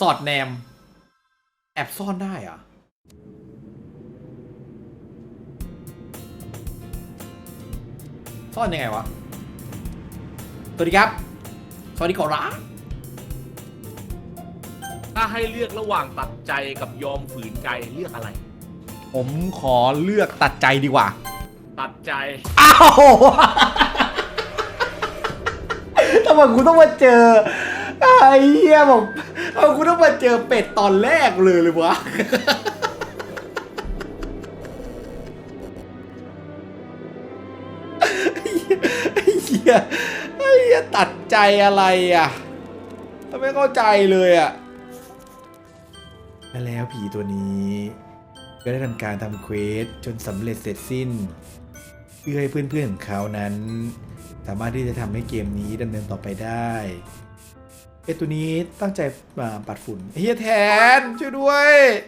อดแนมแอบซ่อนได้อะซ่อนยังไงวะสวัสดีครับสวัสดีขอรับถ้าให้เลือกระหว่างตัดใจกับยอมฝืนใจเลือกอะไรผมขอเลือกตัดใจดีกว่าตัดใจอ้าวทำไมกูต้องมาเจอไอ้เหี้ยบอกกูต้องมาเจอเป็ดตอนแรกเลยวะไอ้เหี้ยตัดใจอะไรอ่ะไม่เข้าใจเลยอ่ะแล้วผีตัวนี้ก็ได้ทำการทำเควสจนสำเร็จเสร็จสิ้นเพื่อให้เพื่อนๆของเขานั้นสามารถที่จะทำให้เกมนี้ดำเนินต่อไปได้ตัวนี้ตั้งใจมาปัดฝุ่นเฮียแทนช่วยด้วย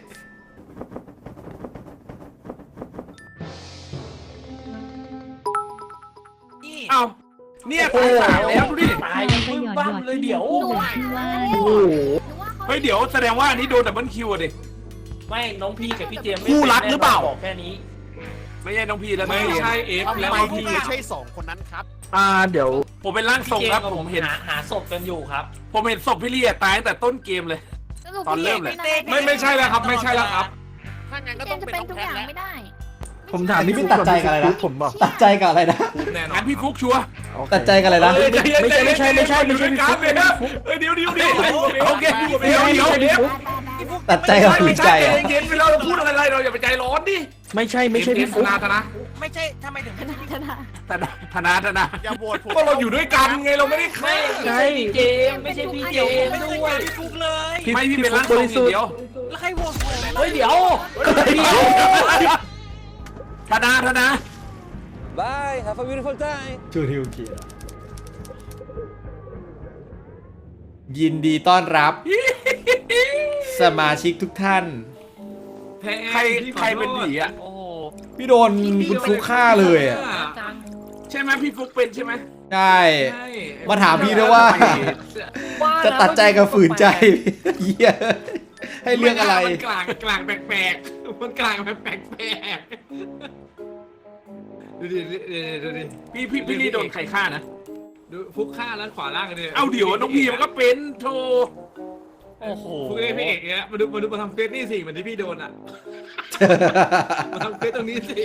เอ้าเนี่ยตายสามแล้วดูดิตายยังพึ่งบ้านเลยเดี๋ยวโอ้โหเฮ้ยเดี๋ยวแสดงว่าอันนี้โดนดับเบิลคิวดิไม่น้องพี่กับพี่เจมส์คู่รักหรือเปล่าบอกแค่นี้ไม่ใช่น้องพี่แล้วไม่ใช่เอฟแล้วพี่ไม่ใช่2คนนั้นครับเดี๋ยวผมเป็นร่างทรงครับผมเห็นหาศพกันอยู่ครับผมเห็นศพพี่เลียตายตั้งแต่ต้นเกมเลยตอนเริ่มเลยไม่ใช่แล้วครับไม่ใช่แล้วครับถ้างั้นก็ต้องเป็นทุกอย่างไม่ได้ผมถามนี่พี่ตัดใจกับอะไรนะผมบอกตัดใจกับอะไรนะงั้นพี่ฟุกชัวร์ตัดใจกับอะไรนะไม่ใช่พี่ฟุกเดี๋ยวโอเคเดี๋ยวตัดใจกับฝืนใจเย็นไปเราพูดอะไรเราอย่าไปใจร้อนดิไม่ใช่พี่ฟุกไม่ใช่ทำไมถึงธนาอย่าโหวตผมก็เราอยู่ด้วยกันไงเราไม่ได้ฆ่าใช่เจมไม่ใช่พี่เจมด้วยพี่ฟุกเลยไม่พี่เป็นร่างทรงเดียวแล้วใครโหวตผมเฮ้ยเดี๋ยวธนา Bye have a beautiful time ชูทิวเกียร์ยินดีต้อนรับสมาชิกทุกท่านใครเป็นผีอ่ะโอ้พี่โดนคุณฟุกฆ่าเลยอ่ะใช่ไหมพี่ฟุกเป็นใช่ไหมใช่มาถามพี่ด้วยว่าจะตัดใจกับฝืนใจเหี้ยให้เรื่องอะไรมันกลางแปลกมันกลางแปลกดูดิพี่นี่โดนใครฆ่านะดูฟุกฆ่าแล้วขวาล่างกันเลยเอาเดี๋ยวน้องพีมันก็เป็นโธ่โอ้โหฟุกพี่เอกเนี่ยมาดูมาทำเฟซนี่สิเหมือนที่พี่โดนอ่ะมาทำเฟซตรงนี้สิ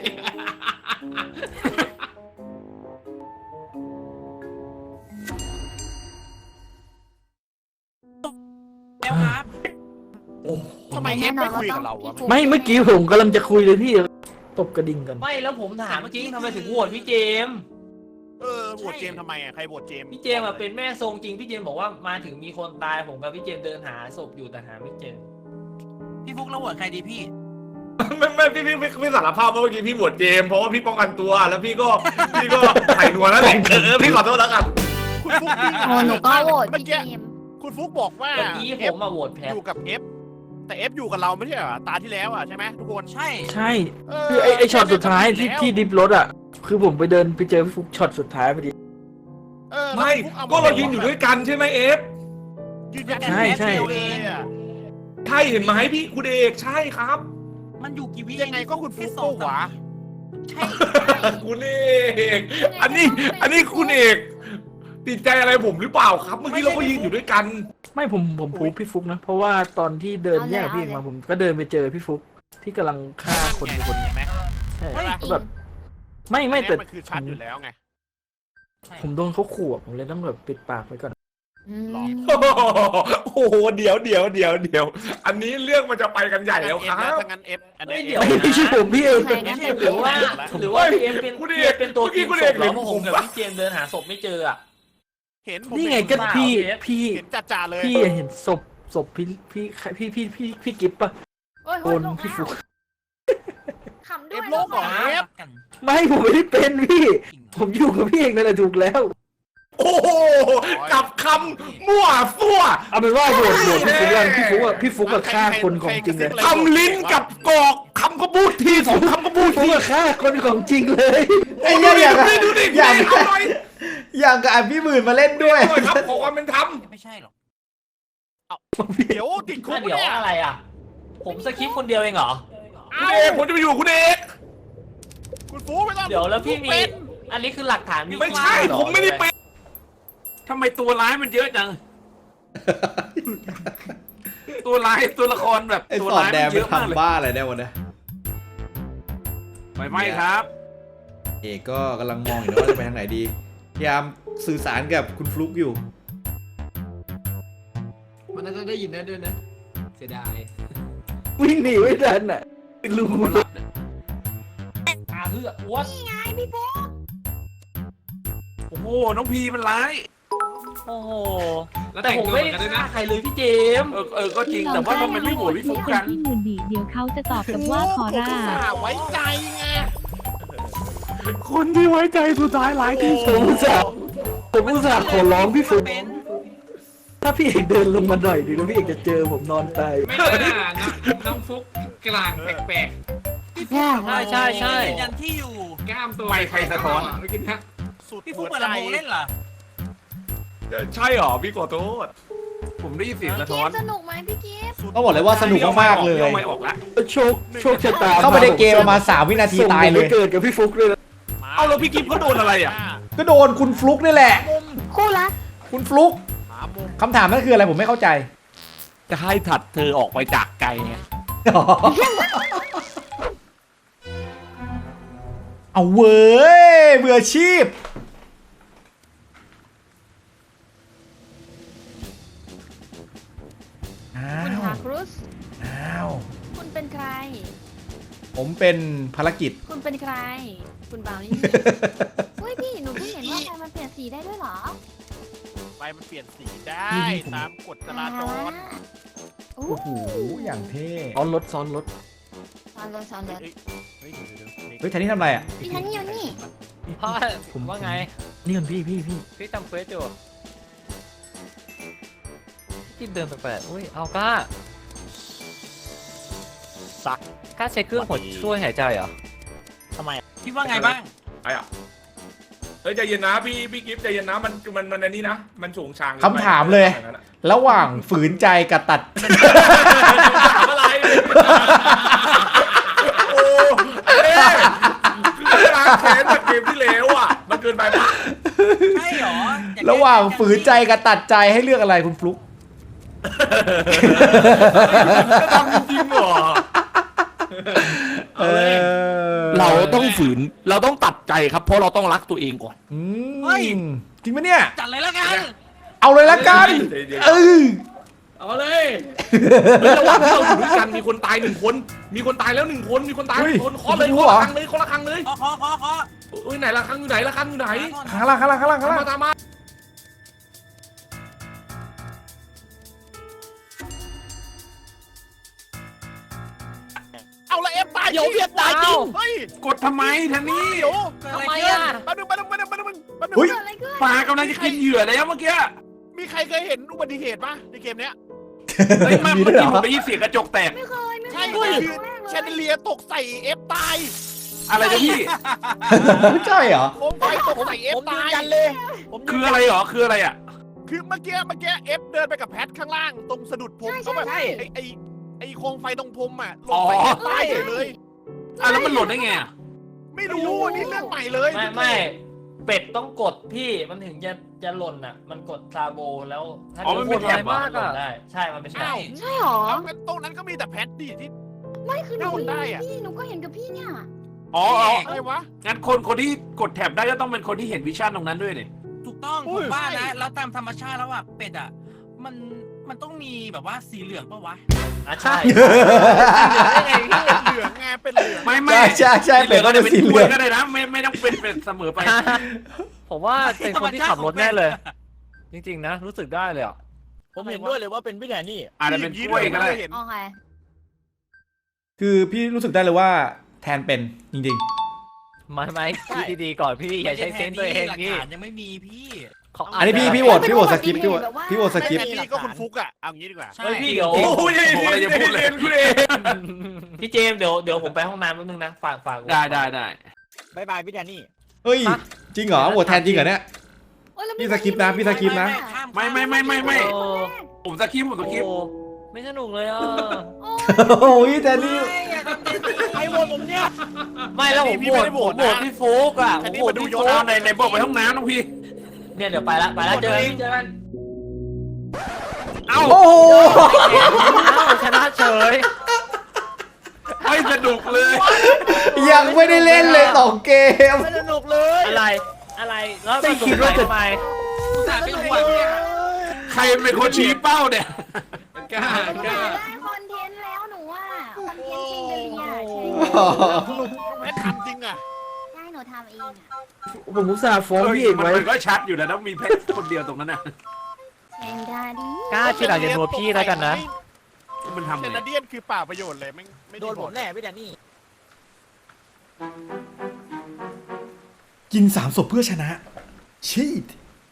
แล้วครับทำไมเอฟไม่คุยกับเราวะไม่เมื่อกี้ผมกำลังจะคุยเลยพี่ตบกระดิ่งกันไม่แล้วผมถามเมื่อกี้ทำไมถึงโหวตพี่เจมโหวตเจมทำไมอ่ะใครโหวตเจมพี่เจมเป็นแม่ทรงจริงพี่เจมบอกว่ามาถึงมีคนตายผมกับพี่เจมเดินหาศพอยู่แต่หาไม่เจอพี่ฟุกแล้วโหวตใครดีพี่ไม่พี่สารภาพว่าเมื่อกี้พี่โหวตเจมเพราะว่าพี่ป้องกันตัวแล้วพี่ก็ไถ่หนวดแล้วแหละพี่ขอโทษแล้วกันคุณฟุกหนูก็โหวตพี่เจมคุณฟุกบอกว่าเมื่อกี้ผมมาโหวตแพ้อยู่กับเอฟแต่เอฟอยู่กับเราไม่ใช่เหรอตาที่แล้วอ่ะใช่ไหมทุกคนใช่คือไอช็อตสุดท้ายที่ดิฟรถอ่ะคือผมไปเดินไปเจอฟุกช็อตสุดท้ายพอดีไม่ก็เรายืนอยู่ด้วยกันใช่ไหมเอฟยืนยันใช่ใช่เห็นไหมพี่คุณเอกใช่ครับมันอยู่กี่วิยังไงก็คุณฟุกโตกว่าใช่คุณเอกอันนี้คุณเอกติดใจอะไรผมหรือเปล่าครับเมื่อกี้เราก็ยืนอยู่ด้วยกันไม่ผมพูดพี่ฟุกนะเพราะว่าตอนที่เดินแยกพี่มาผมก็เดินไปเจอพี่ฟุกที่กำลังฆ่าคนเห็นไหมใช่แบบไม่แต่มันคือชัดอยู่แล้วไงผมโดนเขาขู่ผมเลยต้องแบบปิดปากไว้ก่อนโอ้โหเดี๋ยวอันนี้เรื่องมันจะไปกันใหญ่แล้วครับถ้างั้นเอฟอันนี้ไม่ใช่ผมพี่เองหรือว่าพี่เอ็มเป็นตัวกินศพแล้วผมกับพี่เจมเดินหาศพไม่เจออ่ะเห็นนี่ไงก็พี่เห็นจ่าเลยพี่เห็นศพพี่กิ๊บป่ะโอนพี่ฟุกเอฟโลกเหรอเอฟไม่ผมไม่ได้เป็นพี่ผมอยู่กับพี่เองนั่นแหละถูกแล้วโอ้โหกับคำมั่วซั่วเอาเป็นว่าโหวตพี่ฟุกกับฆ่าคนของจริงเลยคำลิ้นกับกอกคำก็พูดทีสองคำก็พูดทีฆ่าคนของจริงเลยไอ้เนี่ยอย่างกับพี่หมื่นมาเล่นด้วยครับขอความเป็นธรรมไม่ใช่หรอกเดี๋ยวติดคุกเดี๋ยวเนี่ยอะไรอ่ะ ผมสคริปต์คนเดียวเองเหรอคุณเอกผมจะไปอยู่คุณเอกคุณฟูไม่ต้องเดี๋ยวแล้วพี่มีเป็นอันนี้คือหลักฐานมีไม่ใช่เหรอผมไม่ได้เป็นทำไมตัวร้ายมันเยอะจัง ตัวร้ายตัวละครแบบไอ้ตัวสอดร้ายแดมังนไปเยอะมากเลยทำบ้าอะไรได้วะเนี่ยไม่ครับเอกก็กำลังมองอยู่นะว่าจะไปทางไหนดีพยายามสื่อสารกับคุณฟลุกอยู่มันน่าจะได้ยินได้ด้วยนะเสียดายวิ่งหนีไม่ทันอ่ะลุงอาเฮืออ้วนนี่ไงพี่โป๊กโอ้โหน้องพีมันร้ายโอ้โหแล้วแต่แต่งผมตัวไม่เหมือนกันด้วยฆ่านะใครเลยพี่เจมส์ก็จริงแต่ว่าทำไมไม่โหวตพี่ฟุกกันที่มือดีเดี๋ยวเขาจะตอบกับว่าคอร่าผมอุตส่ห์ไว้ใจไงคนที่ไว้ใจสุดท้ายร้ายที่สุดผมอุตส่าห์ขอร้องพี่ฟุกถ้าพี่เอกเดินลงมาหน่อยดีแล้วพี่เอกจะเจอผมนอนตายไม่น่านะน้องฟุกกลางแปลกใช่ใช่ยันที่อยู่ๆกล้ามตัวไม่ใครสะท้อนไม่กินนะสุดพี่ฟุกเปิดลำโพงเล่นเหรอใช่หรอพี่ขอโทษผมได้ยินเสียงสะเกท้อนมสนุกไหมพี่กิฟต์ต้องบอกเลยว่าสนุกมากๆเลยไม่ออกละโชคชะตาเข้าไปในเกมประมาณ3 วินาทีตายเลยเกิดกับพี่ฟุกเลยนะเอาแล้วพี่กิฟเขาโดนอะไรอ่ะก็โดนคุณฟลุกนี่แหละคู่รักคุณฟลุกหามุมคำถามนั่นคืออะไรผมไม่เข้าใจจะให้ถัดเธอออกไปจากไกลไงเอาเว้ยเบื่ออาชีพอ้าคุณวฮาครุสอ้าวคุณเป็นใครผมเป็นภารกิจคุณเป็นใคร คุณบ่าวนี่เฮ้ยพี่หนูเพิ่งเห็นว่าไฟมันเปลี่ยนสีได้ด้วยเหรอไฟมันเปลี่ยนสีได้ตามกฎจราจรโอ้โอ้โหอย่างเท่ซ้อนรถซ้อนรถซอนเลยซอนเลยเฮ้ยเดี๋ยวเฮ้ยแทนนี่ทำอะไรอ่ะพี่ทันนี่อยู่นี่พ่อผมว่าไงนี่กันพี่พี่ทำเควสอยู่ที่เดินแปลกๆอุ้ยเอาก้าสักก้าใช้เครื่องหัวช่วยหายใจเหรอทำไมคิดว่าไงบ้างไอ้อะเฮ้ยใจเย็นนะพี่กิฟใจเย็นนะมันอันนี้นะมันสูงชางคำถามเลย ระหว่างฝืนใจกับตัดถามอะไรโอ้คือล้างแค้นจากเกมที่แล้วอ่ะมันเกินไปปะใช่เหรอระหว่างฝืนใจกับตัดใจให้เลือกอะไรคุณฟลุกจะทำจริงเหรอ เราต้องฝืนเราต้องตัดใจครับเพราะเราต้องรักตัวเองก่อนอืมจริงปะเนี่ยจัดเลยแล้วกันเอาเลยละกันเออเอาเลยเฮ้ยระหว่างที่เราอยู่ด้วยกันมีคนตาย1 คนมีคนตายแล้ว1 คนมีคนตาย1 คนเคาะเลยเคาะละครั้งเลยเคาะละครั้งเลยขอเอ้ยไหนละครั้งอยู่ไหนละครั้งอยู่ไหนข้างล่างข้างล่างข้างล่างข้างล่างมาตามมาเอาละเอฟตายเดี๋ยวเพียตายจริงเฮ้ยกดทำไมแทนนี่เดี๋ยวทำไมอ่ะแป๊บนึงเกิดอะไรขึ้นปลากำลังจะกินเหยื่อแล้วเมื่อกี้มีใครเคยเห็นอุบัติเหตุปะในเกมเนี้ยเฮ้ยมันมีเมื่ด้อวยเหรอกี้ผมได้ยินเสียงกระจกแตกไม่เคยใช่เคยคือแชนเดเลียตกใส่เอฟตายอะไรนะพี่ใช่เหรอโคมไฟตกใส่เอฟผมยืตาน ยยันเลยคืออะไรหรอคืออะไรอ่ะคือเมื่อกี้เอฟเดินไปกับแพทข้างล่างตรงสะดุดพรมเขาแบบไอ้โคมไฟตรงพรมอ่ะลงไปเอฟตายเลยอ่ะแล้วมันหล่นได้ไงอ่ะไม่รู้อันนี้เรื่องใหม่เลยไม่เป็ดต้องกดพี่มันถึงจะหล่นอ่ะ มันกดซาโบแล้วถ้ามีคนไวมากอ่ะได้ใช่มันเป็นแถบใช่หรอแล้วงั้นตรงนั้นก็มีแต่แพทดิที่ไม่คือหนูเข้าได้อะพี่หนูก็เห็นกับพี่เนี่ยอ๋ออะไรวะงั้นคนที่กดแท็บได้ก็ต้องเป็นคนที่เห็นวิชั่นตรงนั้นด้วยเนี่ยถูกต้องอุ้ผยมว่าใช่นะแล้วตามธรรมชาติแล้วอ่ะเป็ดอ่ะมันต้องมีแบบว่าสีเหลืองปะวะอ่ะใช่เหลืองไงเป็นเหลืองไม่ใช่เป็ดก็จะสีเหลืองก็ได้นะไม่ต้องเป็นเป็ดเสมอไปผมว่าเป็นคนที่ขับรถแน่เลย จริงๆนะรู้สึกได้เลยอ่ะผมเห็นด้วยเลยว่าเป็นพี่แดนนี่อาจจะเป็นกล้วยก็ได้เห็นโอเคคือพี่รู้สึกได้เลยว่าแทนเป็นจริงไม่คิดดีๆก่อนพี่อย่าใช้เซนส์ตัวเองหลักพี่ฐานยังไม่มีพี่ๆ อันนี้พี่โหวตสกิปพี่โหวตสกิปแทนนี่ก็คุณฟุกอะเอางี้ดีกว่าใช่เฮ้ยพี่เดี๋ยวโอ้ยผมอะไรจะพูดเลยคุณเองพี่เจมส์เดี๋ยวผมไปห้องน้ำแป๊บนึงนะฝากได้บายบายพี่แดนนี่เฮ้ยจริงเหรอโหวตแทนจริงเหรอเนี่ยโอ้ยแล้วพี่สกิปนะพี่สกิปนะไม่โอ้ผมสคริปต์โอ้ไม่สนุกเลยอ่ะโอ้ยแต่นี่ไอ้วนผมเนี่ยไม่แล้วผมโหวตพี่ฟุกอ่ะผมโหวตพี่ฟุกเอาในบอกไปห้องน้ำน้องพี่เนี่ยเดี๋ยวไปละเจอกันเอ้าโอ้โหชนะเฉยไม่สนุกเลยยังไม่ได้เล่นเลย2 เกมไม่สนุกเลยอะไรแล้วไม่คิดว่าทำไมเป็นห่วงเนี่ยใครเป็นคนชี้เป้าเนี่ยกล้าได้คอนเทนต์แล้วหนูอ่ะคอนเทนต์เชงเดลียแม่ทำจริงอ่ะใช่หนูทำเองอ่ะผมอุตส่าห์ฟ้องพี่เอกไว้มันก็ชัดอยู่นะต้องมีเพชรคนเดียวตรงนั้นน่ะเชงดาดีกล้าที่หลังจะนัวพี่แล้วกันนะมันทำเซไงนาเดียนคือเปล่าประโยชน์เลยไม่โดนผมแน่พี่แดนนี่กิน3 ศพเพื่อชนะ ชีต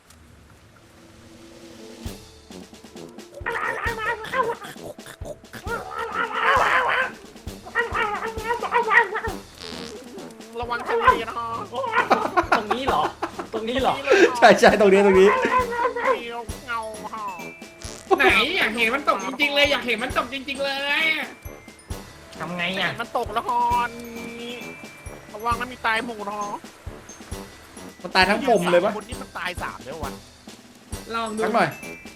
ระวังทะเลนะตรงนี้เหรอใช่ตรงนี้เงาห่อไหนอยากเห็นมันตกจริงๆเลยอยากเห็นมันตกจริงๆเลยทำไงอ่ะมันตกละครระวังนะมีตายหมู่เนาะมันตายทั้งกลมเลยปะคนนี้มันตาย3แล้ววะลองดูสักหน่อย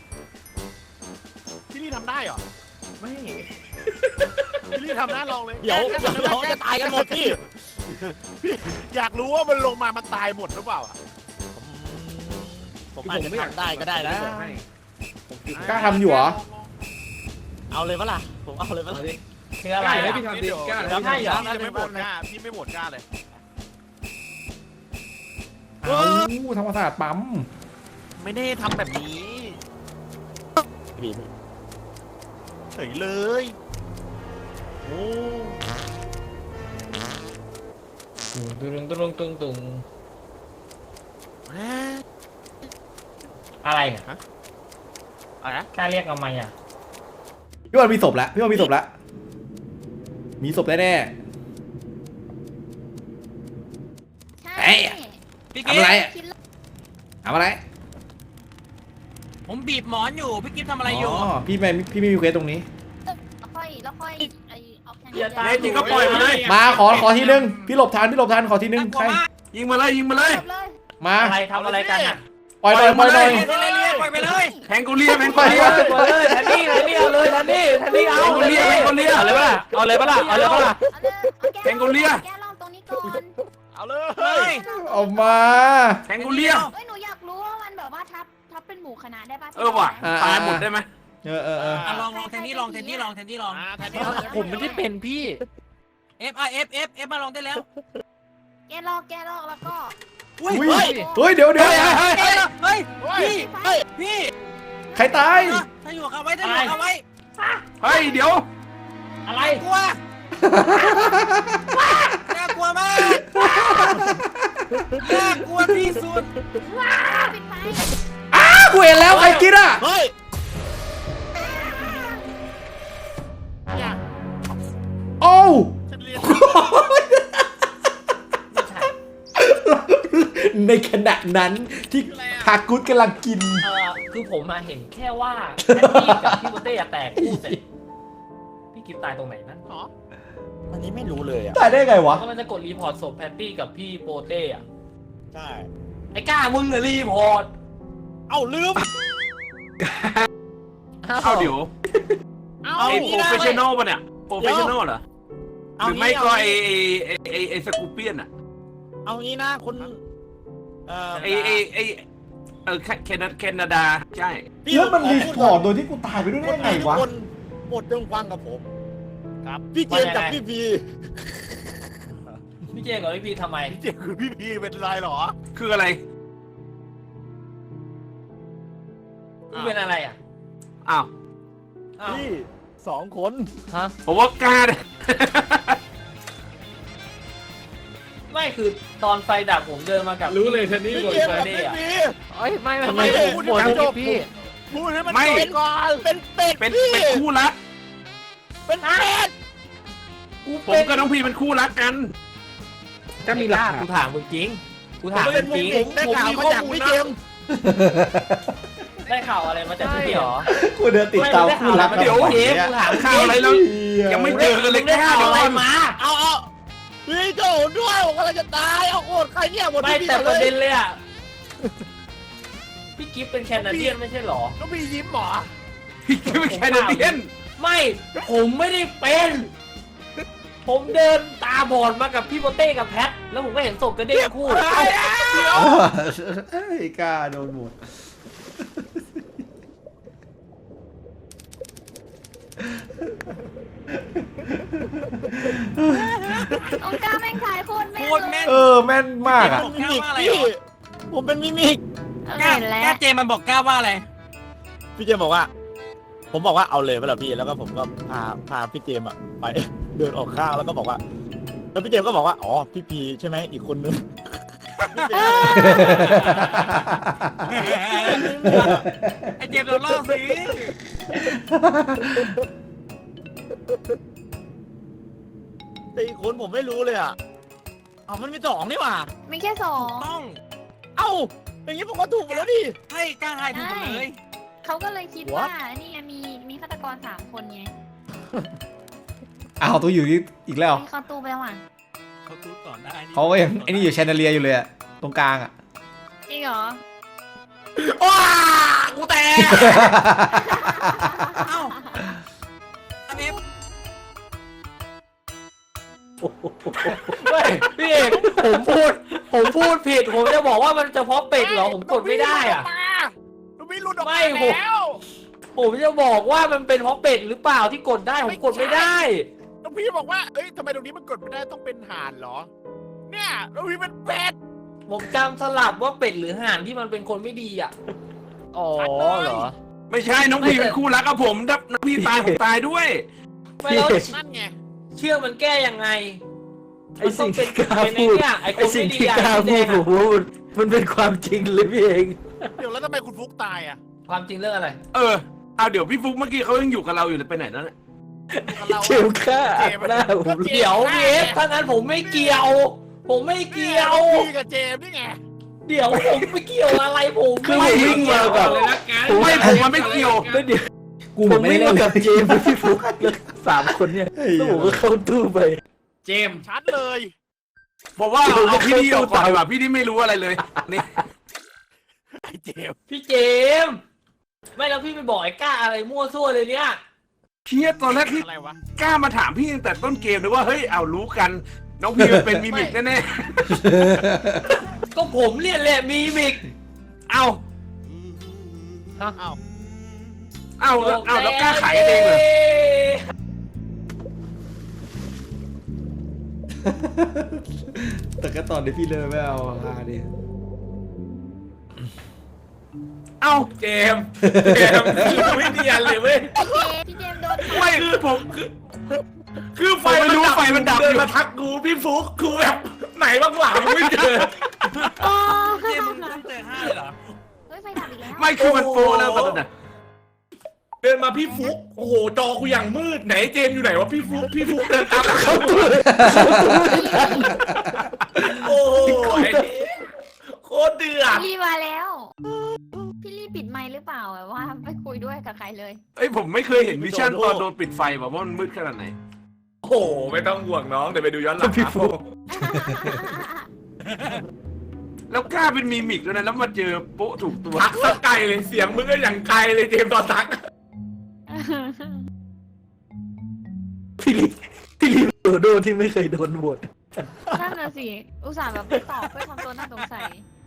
พี่ลี่ทำได้เหรอไม่พี่ลี่ทำได้ลองเลยเดี๋ยวจะตายกันหมดพี่อยากรู้ว่ามันลงมามันตายหมดหรือเปล่าอะผมอาจจะทำได้ก็ได้นะกล้าทำอยู่เหรอเอาเลยปะล่ะผมเอาเลยปะล่ะคือกอะไรล้าให้อ่ะพี่ทำดิกล้าแล้วให้เหรอพี่ไม่โหวตกล้าพี่ไม่โหวตกล้าเลยเอ้าธรรมศาสตร์ปั๊มไม่ได้ทำแบบนี้เฉยเลย โอ้ตุงอะไรอ่ะอะไรนะกล้าเรียกทำไมอ่ะพี่บอลมีศพแล้วมีศพแน่ใช่พี่ๆกิ๊ทำอะไรฟอะทำอะไรผมบีบหมอนอยู่พี่กิ๊ฟทำอะไรอยู่พี่ไม่มีเควสตรงนี้แล้วค่อยไอออกแทนอย่าตายเล่นจริงก็ปล่อยมาเลยมาขอทีนึง พี่หลบทันขอทีนึงน่ากลัใครวมากยิงมาเลยจบเลยมาอะไรทำอะไรกันอ่ะปล่อยหน่อยปล่อยไปเลยแทงกูเรียแทงกูเรียเอาเลยแทนนี่เอาเลยแทนนี่เอาเอาเลยเอาเลยปะล่ะเอาเลยแกงโกเลียแกลองตรงนี้ก่อนเอาเลยเฮ้ยออกมาแทงกูเรียเฮ้ยหนูอยากรู้ว่ามันแบบว่าทับเป็นหมู่คณะได้ป่ะว่ะตายหมดได้ไหมเอออ่ะลองแทนนี่ลองแทนนี่ผมไม่ได้เป็นพี่ F มาลองได้แล้วแกลอกแล้วก็อุ้ยอุ้ยเฮ้ยเดี๋ยวเฮ้ยพี่ใครตายถ้าอยู่กับไว้เฮ้ยเดี๋ยวอะไรกลัวน่ากลัวมากน่ากลัวที่สุดปิดไฟกูเห็นแล้วใครกินอ่ะเฮ้ยโอ้วฉันเรียนในขณะนั้นที่ฮากุสกำลังกินคือผมมาเห็นแค่ว่าแทนนี่กับพี่โบเต้แตกคู่เสร็จพี่กิฟตายตรงไหนนั่นอ๋ออันนี้ไม่รู้เลยอ่ะตายได้ไงวะก็มันจะกดรีพอร์ตศพแพตตี้กับพี่โปเต้อะใช่ไอ้ก้ามึงเลยรีพอร์ตเอ้าลืมเอาเดี๋ยวเอาไอ้งี้โปรนะเฟชชั่นอลป่ะเนี่ยโปรเฟชชั่นอลเหรอหรือไม่ก็ไอ้สกูเปียนอ่ะเอางี้นะคุณไอ้แคนาดาใช่แล้วมันรีพอร์ตโดยที่กูตายไปด้วยได้ไงวะหมดจงฟังกับผมครับพี่เจนกับพี่พีพี่เจกับพี่พีทำไมเจ๊คือพี่พีเป็นไรเหรอคืออะไรพี่เป็นอะไรอ่ะอ้าวพี่2 คนฮะผมว่ากล้าเนี่ยไม่คือตอนไฟดับผมเดินมากับรู้เลยแทนนี่พี่โดนเจมไปกับพี่พีเอ้ยไม่ทำไมไม่พูดโหวตให้มันจบพี่พูดให้มันจบก่อนเป็นเป็ดเป็นพี่คู่รักเป็นเป็ดผมกับน้องพีเป็นคู่รักกันก็มีหลักกูฐานถามมึงจริงกูถามเป็มึนงมุจกริงผมได้ข่าวมาจากพี่เจมส์ได้ได้ข่าวอะไรมาจากพี่เหรอกูเดินติดตามคู่รักเดี๋ยวกันเจ๊เนี่ยกูถามข่าวอะไรแล้ว ยังไม่เจอกันเลยได้ข่าวอะไรมาเอาพี่โจด้วยผมกำลังจะตายเอาโกรธใครเนี่ยหมดไม่พี่แต่หมปดระเลเด็ยนเลยอ่ะพี่กิฟเป็นแคนาเดียนไม่ใช่เหรอต้องมียิ้มหรอพี่คิดว่าแคนาเดียนไม่ผมไม่ได้เป็น ผมเดินตาบอดมากับพี่โปเต้กับแพท แล้วผมก็เห็นศพกันเด้งคู่เอ้ยกล้าโดนหมดองกาแม่งขายโคตรแม่นโคตรแม่นแม่นมากอ่ะบอกกล้าว่าอะไรพี่เหรอผมเป็นมิมิกเห็นแล้วกล้าเจมันบอกกล้าว่าอะไรพี่เจมบอกว่า ผมบอกว่าเอาเลยไปแล้วพี่แล้วก็ผมก็พาพี่เจมอะไป เดินออกข้างแล้วก็บอกว่าแล้วพี่เจมก็บอกว่าอ๋อพี่พีใช่ไหมอีกคนนึงไอเจมโดนล่อสิแต่อีกคนผมไม่รู้เลยอ่ะเอามันมีสองนี่หว่ามีแค่สองต้องเอ้าอย่างนี้ผมก็ถูกหมดแล้วดิให้กล้าทายถูกหมดเลยเขาก็เลยคิดว่านี่ไงมีฆาตกร3 คนไงอ้าวตัวอยู่นี่อีกแล้วมีเข้าตู้ไปแล้วอ่ะเขาตูดก่อนได้นี่เขาก็ยังไอ้นี่อยู่แชนเดอเลียอยู่เลยอะตรงกลางอะจริงเหรอว้ากูแตกเอ้าอันนี้ไม่พี่เอกผมพูดผิด ผมจะบอกว่ามันเฉพาะเป็ดเหรอ ผมกดไม่ได้อ่ะลูกพี่หลุดออกไม่มาผมแล้วผมจะบอกว่ามันเป็นเพราะเป็ดหรือเปล่าที่กดได้ ผมกดไม่ได้ลูกพี่บอกว่าเอ้ยทำไมตรงนี้มันกดไม่ได้ต้องเป็นห่านเหรอ เนี่ยลูกพี่เป็นเป็ดผมจำสลับว่าเป็ดหรือห่านที่มันเป็นคนไม่ดีอ่ะ อ๋อเหรอไม่ใช่น้องพี่เป็นคู่รักกับผมถ้าน้องพี่ตายผมตายด้วยไม่แล้วนั่นไงเชื่อมันแก้ยังไงไอสิ่งที่กล้าเป็นไอ้พูดเนี่ยไอ้คไอน สิ่งไม่ดีที่อ่ะกล้าพี่พูแดดงผมว่ามันเป็นความจริงเลยพี่เองเดี๋ยวแล้วทำไมคุณฟุกตายอ่ะความจริงเรื่องอะไรเอาเดี๋ยวพี่ฟุกเมื่อกี้เขายังอยู่กับเราอยู่เลยไปไหนแล้วเนี่ยกับเราเจมส์ฆ่าหน้าผมเดี๋ยวเอฟถ้างั้นผมไม่เกี่ยว ผมไม่เกี่ยวพี่กับเจมส์นี่ไงเดี๋ยวผมไม่เกี่ยวอะไรผมคือผมวิ่งมาแบบไม่ผมมันไม่เกี่ยวไม่เดี๋ยวกูผเหมือมนไม่วิ่งได้เล่มาน กับเจมส์พี่ฟุกเลย3 คนเนี่ยแล้วผมก็เข้าตู้ไปเจมส์ชัดเลยบอกว่าเอาพี่ดีออกก่อนดีกว่าพี่ดีไม่รู้อะไรเลยนี่ไอ้เจมส์พี่เจมส์ไม่แล้วพี่ไปบอกไอ้ก้าอะไรมั่วซั่วเลยเนี่ยเพี้ยตอนแรกพี่อะไรวะกล้ามาถามพี่ตั้งแต่ต้นเกมเลยว่าเฮ้ยเอารู้กัน น้องพี่มันเป็นมิมิกแน่ก็ผมเรียนแหละมีมิกๆเอาอ้าวเอาแล้วกล้าขายกันเองเลยแต่ก็ตอนที่พี่เลิกไม่เอาฮาดิเอาเจมส์ไม่เนียนเลยเว้ยพี่เจมส์โดนไม่คือผมคือไฟไม่รู้ไฟมันดับอยู่มาทักกูพี่ฟุกกูแบบไหนบ้างหลังไม่เจออ๋อเจมมึงตั้งแต่5เลยเหรอเฮ้ยไฟดับอีกแล้วไม่คือมันโฟแล้วตอนนั้นน่ะเดินมาพี่ฟุกโอ้โหจอกูอย่างมืดไหนเจมส์อยู่ไหนวะพี่ฟุกเดินตามหลังเข้าตู้โอ้โหโคตรเดือดพี่ลี่มาแล้ว พี่ลี่ปิดไมค์หรือเปล่าแบบว่าไม่คุยด้วยกับใครเลยเอ้ยผมไม่เคยเห็นวิชั่นตอนโดนปิดไฟแบบว่ามันมืดขนาดไหนโอ้โหไม่ต้องห่วงน้องเดี๋ยวไปดูย้อนหลังพี่ฟุกแล้วกล้าเป็นมีมิกด้วยนะแล้วมาเจอโป๊ะถูกตัวทักสักไกลเลยเสียงมึงก็อย่างไกลเลยเจมส์ตอนทักพี่ลีโดโดที่ไม่เคยโดนโหวตนั่นน่ะสิ อุตส่าห์แบบไม่ตอบเพื่อทำตัวน่าสงสัย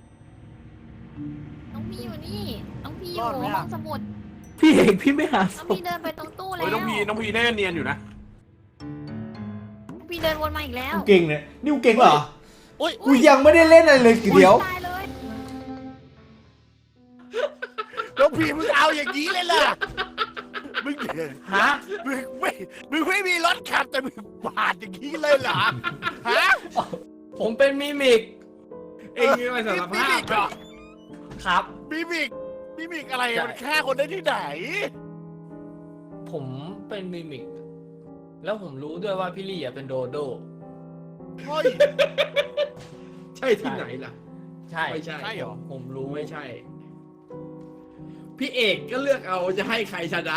น้องพี่อยู่นี่ น้องพี่อยู่ห้องสมุดพี่เองพี่ไม่หาศน้องพพี่เดินไปตรงตู้แล้วโอ้ยน้องพีน่าจะเนียนอยู่นะน้องพี่เดินวนมาอีกแล้วกูเก่งเนี่ยนี่กูเก่งเหรอโอ้ยกูยังไม่ได้เล่นอะไรเลยทีเดียวตายเลยแล้วพี่มึงเอาอย่างนี้เลยล่ะมึงฮะมึงไม่มีรถขับแต่มึงปาดอย่างนี้เลยเหรอฮะผมเป็นมิมิกเองไม่สารภาพเหรอครับมิมิกอะไรอะมันฆ่าคนได้ที่ไหนผมเป็นมิมิก แล้วผมรู้ด้วยว่าพี่ลี่อะเป็นโดโดเฮ้ยใช่ที่ไหนล่ะใช่ไม่ใช่ใช่เหรอผมรู้ไม่ใช่พี่เอกก็เลือกเอาจะให้ใครชนะ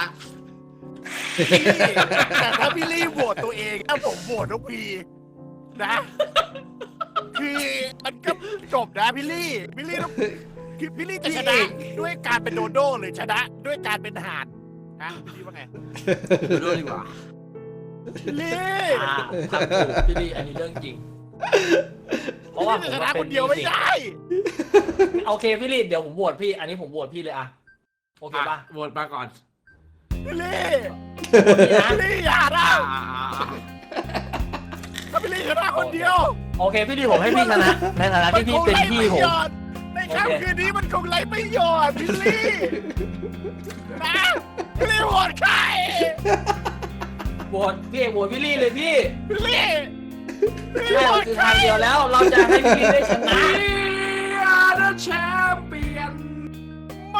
แต่ถ้าพี่ลี่โหวตตัวเองถ้าผมโหวตน้องพีนะ คือมันก็จบนะพี่ลี่ต้องคือพี่ลี่จะชนะด้วยการเป็นโดโด้หรือชนะด้วยการเป็นห่านนะพี่ลี่ว่าไงดูดีกว่าพี่ลี่ทำถูกพี่ลี่อันนี้เรื่องจริง เพราะว่าผมชว่านะเป็คน นเดียวไม่ได้โอเคพี่ลี่เดี๋ยวผมโหวตพี่ อันนี้ผมโหวตพี่เลยอะโอเคป่ะโหวตมาก่อนพี่ลี่พี่นะพี่ลี่อย่านะถ้าพี่ลี่ชนะคนเดียวโอเคพี่ลี่ผมให้พี่ชนะ ในฐานะที่พี่เป็นพี่ผมในค่ำคืนนี้มันคงไร้ประโยชน์พี่ลี่นะพี่ลี่โหวตใครโหวตพี่เอกโหวตพี่ลี่เลยพี่พี่ลี่ใช่มันคือทางเดียวแล้ว เราจะให้พี่ลี่ได้ชนะ The champion ไม่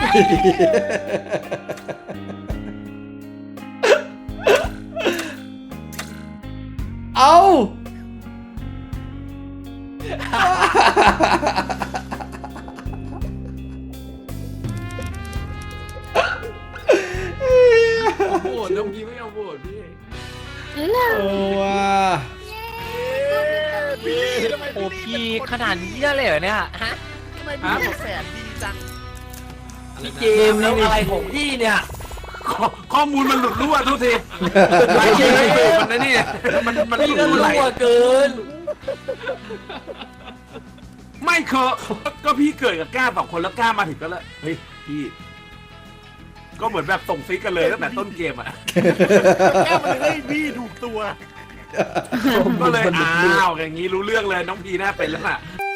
เอาโหวตน้องพีไม่เอาโหวตพี่โอ้ว่ะพี่ทำไมโอ้พี่พี่เป็นคนขนาดนี้เลยเหรอเนี่ยฮะทำไมพี่เป็นแสนดีจังพี่เกมแล้วอะไรของพี่เนี่ยข้อมูลมันหลุดรั่วทุกทีไม่ใช่มันนะนี่มันหพี่ลุก็ดไหลรั่วเกินไม่ก็พี่เกิดกับก้า2 คนแล้วก้ามาถึงก็แล้วเฮ้ยพี่ก็เหมือนแบบส่งซิกกันเลยตั้งแต่ต้นเกมอ่ะแค่มันให้พี่ถูกตัวก็เลยอ้าวอย่างนี้รู้เรื่องเลยน้องพีน่าเป็นแล้วล่ะ